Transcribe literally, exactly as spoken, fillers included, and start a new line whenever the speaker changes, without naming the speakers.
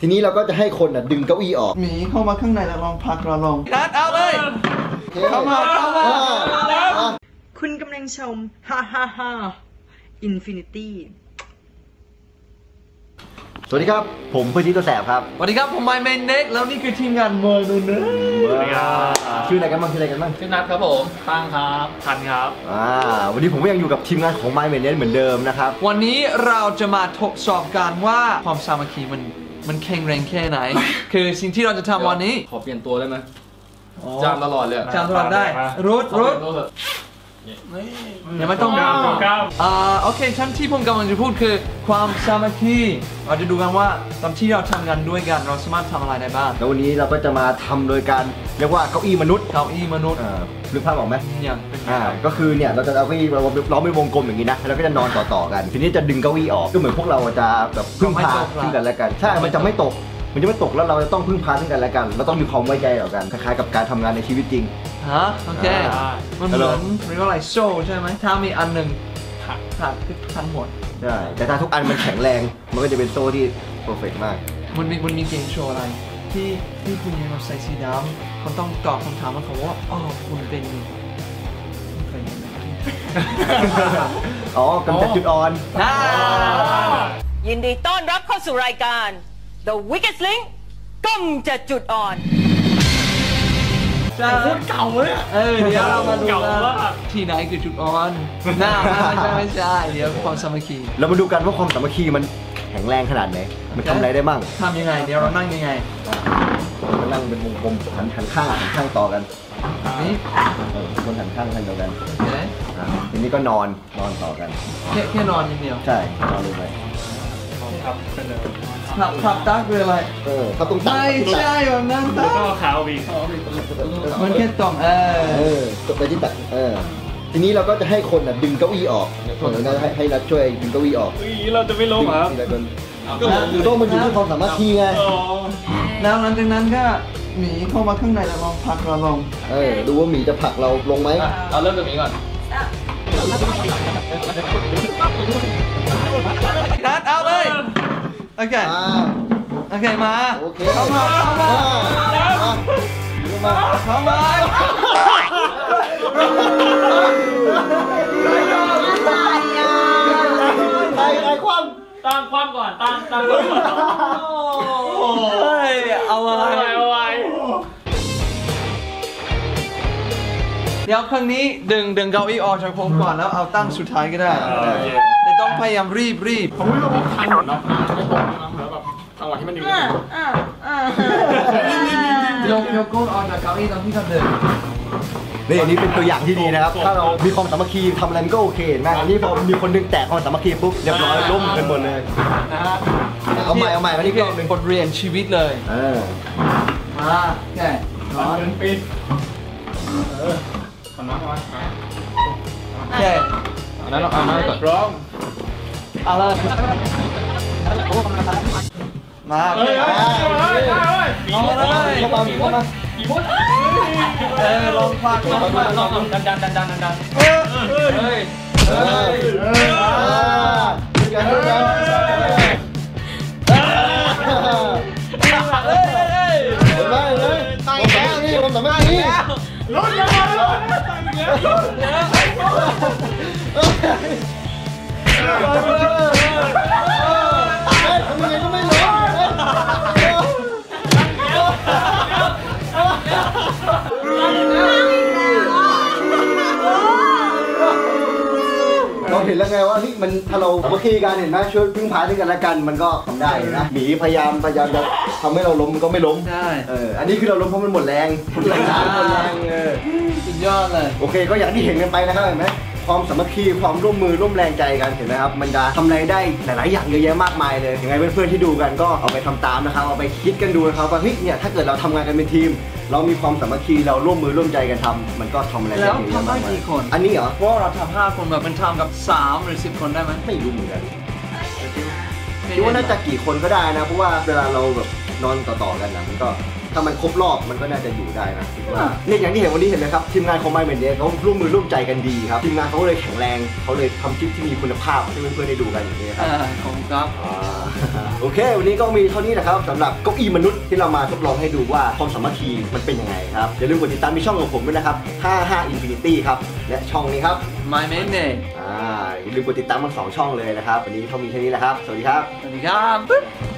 ทีนี้เราก็จะให้คนอ่ะดึงเก้าอี้ออก
หมีเข้ามาข้างในแล้วลองพักเราลอง
นัดเอาเลยเข้ามาเข้ามา
คุณกำลังชมฮ่าฮ่าฮ่าอินฟินิตี้
สวัสดีครับผมเพื่อนที่ตัวแสบครับ
สวัสดีครับผมไมเมนเน็กแล้วนี่คือทีมงานเมอร์นูเนอ
ชื่ออะไรกันบ้างชื่ออะไรกันบ้าง
ชื่อนัทครับผมตั้งครับทันครับ
อ่าวันนี้ผมก็ยังอยู่กับทีมงานของไมเมนเน็กเหมือนเดิมนะครับ
วันนี้เราจะมาทดสอบกันว่าความสามัคคีมันมันแข็งแรงแค่ไหนคือสิ่งที่เราจะทำวันนี้
ขอเปลี่ยนตัวได้ไหมจำตลอดเลย
จำตลอดได้รุดรุดยังไม่ต้องก้าวก้าวอ่าโอเคชั้นที่ผมกำลังจะพูดคือความสามัคคีเราจะดูกันว่าตอนที่เราทำงานด้วยกันเราสามารถทำอะไรได้บ้าง
แล้ววันนี้เราก็จะมาทำโดยการเรียกว่าเก้าอี้มนุษย์
เก้าอี้มนุษย์
หรือภาพออกไหม
อย่าง
อ่าก็คือเนี่ยเราจะเอาเก้าอี้เราเราไม่วงกลมอย่างนี้นะแล้วก็จะนอนต่อๆกันทีนี้จะดึงเก้าอี้ออกก็เหมือนพวกเราจะแบบพึ่งพาซึ่งกันและกันใช่มันจะไม่ตกมันจะไม่ตกแล้วเราจะต้องพึ่งพาซึ่งกันและกันเราต้องมีความไว้ใจต่อกันคล้ายๆกับการทำงานในชีวิตจริง
ฮะโอเคมันเหมือนเรียกว่าอะไรโซ่ใช่ไหมถ้ามีอันหนึ่งขาดขาดคือทั้งหมด
ใช่แต่ถ้าทุกอันมันแข็งแรงมันก็จะเป็นโซ่ที่เพอร์เฟกต์มาก
มันมีมันมีเกมโชว์อะไรที่ที่คุณยังใส่สีดำคนต้องตอบคำถามมันเขาว่าอ๋อคุณเป็น
อ๋อกำจัดจุดอ่อน
ยินดีต้อนรับเข้าสู่รายการ The Weakest Link กำจัดจุดอ่อน
จะพูดเก่าเลยเออเดี๋ยวเรามาดูว่าที่ไหนคือจุดอ่อนน่าไม่ใช่ไม่ใช่เดี๋ยวความสามัคคี
เรามาดูกันว่าความสามัคคีมันแข็งแรงขนาดไหนมันทำอะไรได้บ้าง
ทำยังไงเดี๋ยวเรานั่งยังไง
เรานั่งเป็นวงกลมหันหันข้างหันข้างต่อกันนี่คนหันข้างกันเดียวกันทีนี้ก็นอนนอนต่อกัน
แค่แค่นอนอย่างเดียว
ใช่นอนลงไป
ครับเป็นเลย
ขับขับตักคืออะไร
เออเขาต้อง
ไม่ใช่แบบนั้นตัก
ก็ขาววี
มันแค่ตรงเออ
เออตกไปที่ตักเออทีนี้เราก็จะให้คนดึงเก้าอี้ออกเราให้ให้รัฐช่วยดึงเก้าอี้ออก
เราจะไม่ล้มครับ
หรือต้องมันอยู่ที่ความสามารถที่ไง
แล้วหลังจากนั้นก็หมีเข้ามาข้างในแล้วลองพักเราลง
เออดูว่าหมีจะผลักเราลงไหม
เราเริ่มจากหมีก่อน
นัดเอาเลยโอเคโอเคมาเข้ามาเข้ามาเข้ามา
ใครใครคว่
ำตั้งคว่ำก่อนตั้งตั้งก่อน
เฮ้ยเอาไว้
เอาไว้
เดี๋ยวครั้งนี้ดึงดึงเก้าอี้ออกจากผมก่อนแล้วเอาตั้งสุดท้ายก็ได้แต่ต้องพยายามรีบรีบ
ผมไม่รู้ว่าทันหรอกนะไม่ตรงนะแล้วแบบจังหวะที่มันอยู่
ยกยกก้นออกจากเก้าอี้ตอนที่เขาเดิน
นี่อันนี้เป็นตัวอย่างที่ดีนะครับถ้าเรามีความสามัคคีทำอะไรมันก็โอเคนะอันนี้พอมีคนนึงแตกความสามัคคีปุ๊บเรียบร้อยล้มกันหมดเลยนะฮะเอาใหม่เอาใหม่วันนี้ก็
เป็นบทเรียนชีวิตเลย
เออ
มาแก่
นอนเป็นปีเออขอน้ำมา
แก่
อันนั้นเราเอามาก่อนร้อง
เอาเลยมา
เฮ้ยเฮ้ยเฮ้ย
เอาเลย
เข้ามาเข้ามา
กี่มด
เออลองฟังลองฟังลอง
ดันดันดันดันดัน
เฮ้ยเฮ้ย
เฮ้ยเฮ้ยกันด้วยกันเฮ้ยเห็นไหมเฮ้ยตายแล้วนี่ผมทำไม่ได้
ลุ้นยังไงลุ้นตายแล้วลุ้นแล้วทำ
ยังไงก็ไม่รู้เราเห็นแล้วไงว่าที่มันถ้าเราสามัคคีกันเห็นไหมช่วยพึ่งพาด้วยกันและกันมันก็ทำได้นะหมีพยายามพยายามจะทำให้เราล้มมันก็ไม่ล้ม
ใช่
เอออันนี้คือเราล้มเพราะมันหมดแรงหมดแรงหมดแรงเออ
สุดยอดเลย
โอเคก็อย่างที่เห็นกันไปนะครับเห็นไหมความสามัคคีความร่วมมือร่วมแรงใจกันเห็นไหมครับมันจะทำอะไรได้หลายๆอย่างเยอะแยะมากมายเลยยังไงเพื่อนๆที่ดูกันก็เอาไปทำตามนะครับเอาไปคิดกันดูนะครับว่าเฮ้ยเนี่ยถ้าเกิดเราทำงานกันเป็นทีมเรามีความสามัคคีเราร่วมมือร่วมใจกันทำมันก็ทำอะไรได้
แล้วทำได้กี่คน
อันนี้เหรอ
เพราะเราทำห้าคนแบบมันทำกับสามหรือสิบคนได้ไหม
ไม่รู้เหมือนกันคิดว่าน่าจะกี่คนก็ได้นะเพราะว่าเวลาเราแบบนอนต่อๆกันนะมันก็ถ้ามันครบรอบมันก็น่าจะอยู่ได้นะเนี่ยอย่างที่เห็นวันนี้เห็นไหมครับทีมงานของไมเมนเน็กเขาร่วมมือร่วมใจกันดีครับทีมงานเขาเลยแข็งแรงเขาเลยทำคลิปที่มีคุณภาพให้เพื่อนๆได้ดูกันอย่างนี้ครับ
ขอบคุณครับ
โอเควันนี้ก็มีเท่านี้นะครับสำหรับเก้าอี้มนุษย์ที่เรามาทดลองให้ดูว่าความสามัคคีมันเป็นยังไงครับอย่าลืมกดติดตามที่ช่องของผมด้วยนะครับห้าห้า Infinity ครับและช่องนี้ครับ
My main name
อ่าอย่าลืมกดติดตามทั้งสองช่องเลยนะครับวันนี้เท่ามีแค่นี้แหละครับสวัสดีครับ
สวัสดีครับ